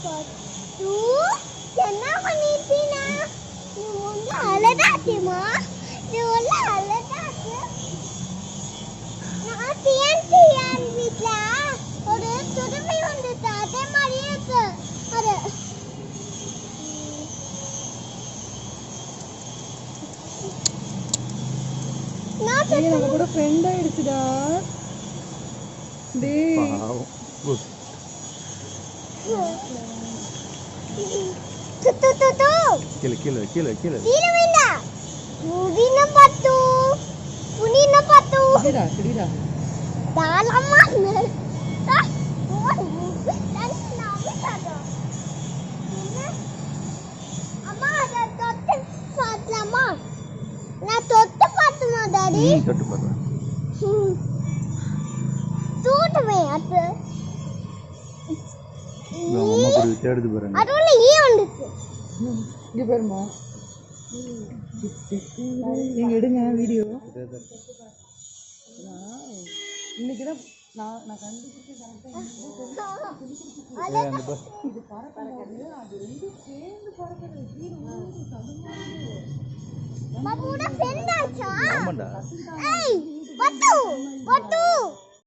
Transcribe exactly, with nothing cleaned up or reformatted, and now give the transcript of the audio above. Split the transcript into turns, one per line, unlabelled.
பத்து என்ன பண்ணிட்டீனா நீ ஒண்ணு அழகாட்டிமா நீ ஒண்ணு அழகாட்டு நான் டிஎன்டி யார் வீட்ல ஒரு துருவி வந்து அதே மாதிரி இருக்கு அது நான் நம்ம கூட ஃப்ரெண்ட் ஆயிடுச்சுடா டேய் பாவம் tu tu tu tu
kilo kilo kilo kilo
kilo mana mudina patu punina patu
sedira sedira
dalam mana dah dan nama ada ini amma ada totte patlama na totte patuma dari
totte patuma
totte me at
அம்மா போய் தேடுது பாருங்க
அதுல ஈ வந்துச்சு
இங்க பாருமா நீங்க எடுங்க வீடியோ இன்னைக்கு தான் நான் நான் கண்டுபிடிச்சு கரெக்ட்டா
அந்த பஸ்
இது பறக்குது அது ரெண்டு சேர்ந்து பறக்குது கீழ ஊரு தடுமாறுது
மாமூட ஃப்ரெண்ட் ஆச்சா
ஆமாடா
ஏய் பட்டு பட்டு